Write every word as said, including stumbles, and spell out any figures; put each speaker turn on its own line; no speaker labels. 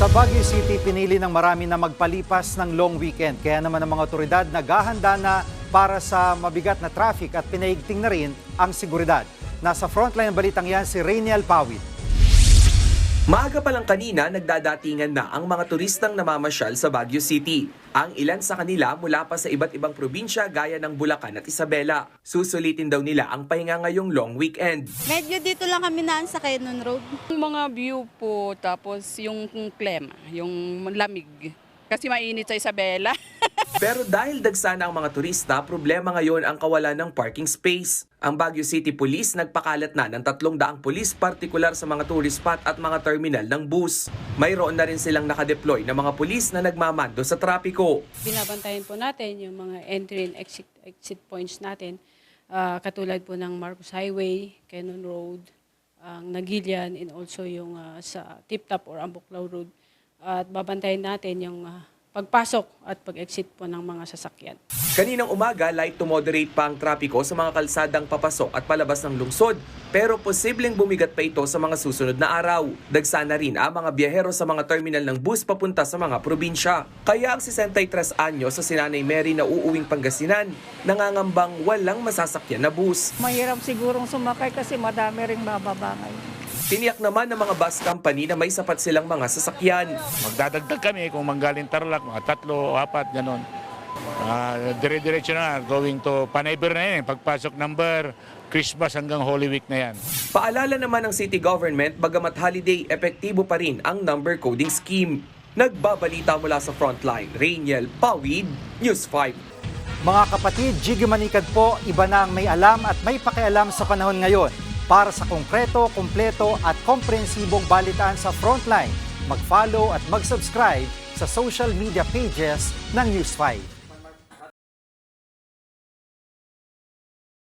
Sa Baguio City, pinili ng marami na magpalipas ng long weekend. Kaya naman ang mga otoridad naghahanda na para sa mabigat na traffic at pinaigting na rin ang seguridad. Nasa frontline ng balitang yan si Rainiel Pawid.
Maaga pa lang kanina, nagdadatingan na ang mga turistang namamasyal sa Baguio City. Ang ilan sa kanila mula pa sa iba't ibang probinsya gaya ng Bulacan at Isabela. Susulitin daw nila ang pahinga ngayong long weekend.
Medyo dito lang kami naan sa Quezon Road.
Yung mga view po, tapos yung klema, yung lamig. Kasi mainit sa Isabela.
Pero dahil dagsana ang mga turista, problema ngayon ang kawalan ng parking space. Ang Baguio City Police nagpakalat na ng tatlong daang pulis partikular sa mga tourist spot at mga terminal ng bus. Mayroon na rin silang nakadeploy na mga pulis na nagmamando sa trapiko.
Binabantayan po natin yung mga entry and exit, exit points natin, ah, katulad po ng Marcos Highway, Quezon Road, ang Nagilian, and also yung ah, sa Tip Top or Ambuklaw Road. At babantayan natin yung ah, pagpasok at pag-exit po ng mga sasakyan.
Kaninang umaga, light to moderate pa ang trapiko sa mga kalsadang papasok at palabas ng lungsod, pero posibleng bumigat pa ito sa mga susunod na araw. Dagsana rin ang mga biyahero sa mga terminal ng bus papunta sa mga probinsya. Kaya ang sesentaytres anyos sa sinanay Mary na uuwing Pangasinan, nangangambang walang masasakyan na bus.
Mahirap sigurong sumakay kasi madami ring mababangay.
Tiniyak naman ng mga bus company na may sapat silang mga sasakyan.
Magdadagdag kami kung manggaling Tarlac, mga tatlo o apat, gano'n. Uh, dire-diretso na, going to Panayber na yan, pagpasok number, Christmas hanggang Holy Week na yan.
Paalala naman ng city government, bagamat holiday, epektibo pa rin ang number coding scheme. Nagbabalita mula sa frontline, Rainiel Pawid, News five.
Mga kapatid, Jiggy Manikad po, iba na ang may alam at may pakialam sa panahon ngayon. Para sa konkreto, kumpleto at komprehensibong balitaan sa Frontline, mag-follow at mag-subscribe sa social media pages ng News five.